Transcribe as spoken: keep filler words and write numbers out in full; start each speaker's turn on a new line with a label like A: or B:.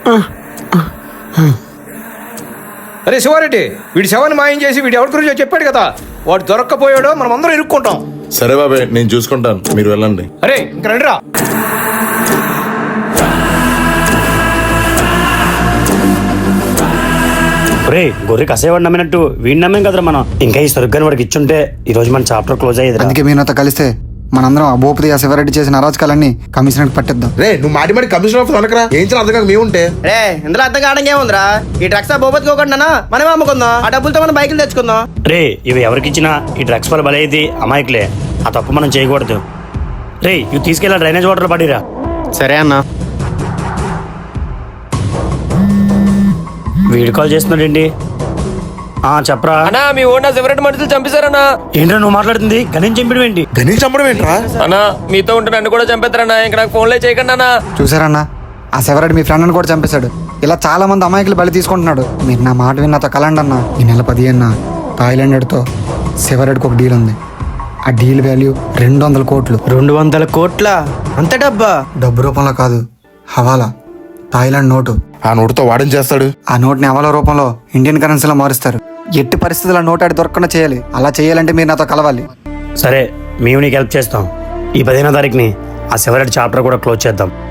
A: అరే శివారెడ్డి, వీడి శవాన్ని మాయం చేసి వీడు ఎవరి గురించో చెప్పాడు కదా, వాడు దొరక్కపోయాడో మనం అందరం ఇరుక్కుంటాం.
B: సరే బాబాయ్, నేను చూసుకుంటాను, మీరు వెళ్ళండి.
A: అరే ఇంక రండిరా.
C: రే గొర్రె కసేవాడు నమ్మినట్టు వీడిని నమ్మేం కదరా మనం. ఇంకా ఈ సరుగ్గాని వాడికి ఇచ్చుంటే ఈ రోజు మన చాప్టర్ క్లోజ్ అయ్యేది.
D: అందుకే మీరు నాతో కలిస్తే మనందరం ఆ భూపతి ఆ శివరెడ్డి చేసిన అరాచకాలన్నీ కమిషనర్ పట్టిద్దాం.
B: రే నువ్వు మాటి మాటి కమిషనర్ ఆఫీస్ అనకరా, ఏం చేయాలి అర్థం కాక మేముంటే.
E: రే ఇందులో అర్థం కావడం ఏముందిరా, ఈ డ్రగ్స్ భూపతి కోకుండా మనమే అమ్ముకుందాం, ఆ డబ్బులతో మనం బైకులు తెచ్చుకుందాం.
C: రే ఇవి ఎవరికి ఇచ్చినా ఈ డ్రగ్స్ వల్ల బలైది అమాయకులే, ఆ తప్పు మనం చేయకూడదు. రే ఇవి తీసుకెళ్ళా డ్రైనేజ్ వాటర్ పడిరా.
E: సరే అన్న.
C: వీడియో కాల్ చేస్తున్నాడండి. ఆ చెప్పరా
F: అన్నా, మీ ఓనా సెవరెట్ మనుషులు చంపేశారన్నా.
C: ఏంట్రా నువ్వు మాట్లాడుతుంది? గణేష్ చంపడం ఏంటి?
B: గణేష్ చంపడం ఏంట్రా?
F: అన్నా మీతో ఉంటే నన్ను కూడా చంపేస్తారన్నా, ఇంక నాకు ఫోన్లే చేయకండి అన్నా.
D: చూసారన్నా, ఆ శివరెడ్డి మీ ఫ్రెండ్ని కూడా చంపేశాడు. ఇలా చాలా మంది అమాయకులు బలి తీసుకుంటున్నాడు. మీరు నా మాట విని నాతో కలండి అన్న. ఈ నెల పదిహేనున థాయిలాండ్తో శివరెడ్డికి ఒక డీల్ ఉంది. ఆ డీల్ వాల్యూ రెండు వందల కోట్లు.
E: రెండు వందల కోట్ల అంత డబ్బా?
D: డబ్బు రూపంలో కాదు, హవాలా, థాయిలాండ్ నోటు.
B: ఆ నోటుతో వాడేం చేస్తాడు?
D: ఆ నోట్ని హవాలా రూపంలో ఇండియన్ కరెన్సీలో మారుస్తారు. ఎట్టి పరిస్థితుల్లో నోట్ ఆడి దొరకకుండా చేయాలి. అలా చేయాలంటే మీరు నాతో కలవాలి.
C: సరే మేము నీకు హెల్ప్ చేస్తాం. ఈ పదిహేనో తారీఖుని ఆ శివరెడ్డి చాప్టర్ కూడా క్లోజ్ చేద్దాం.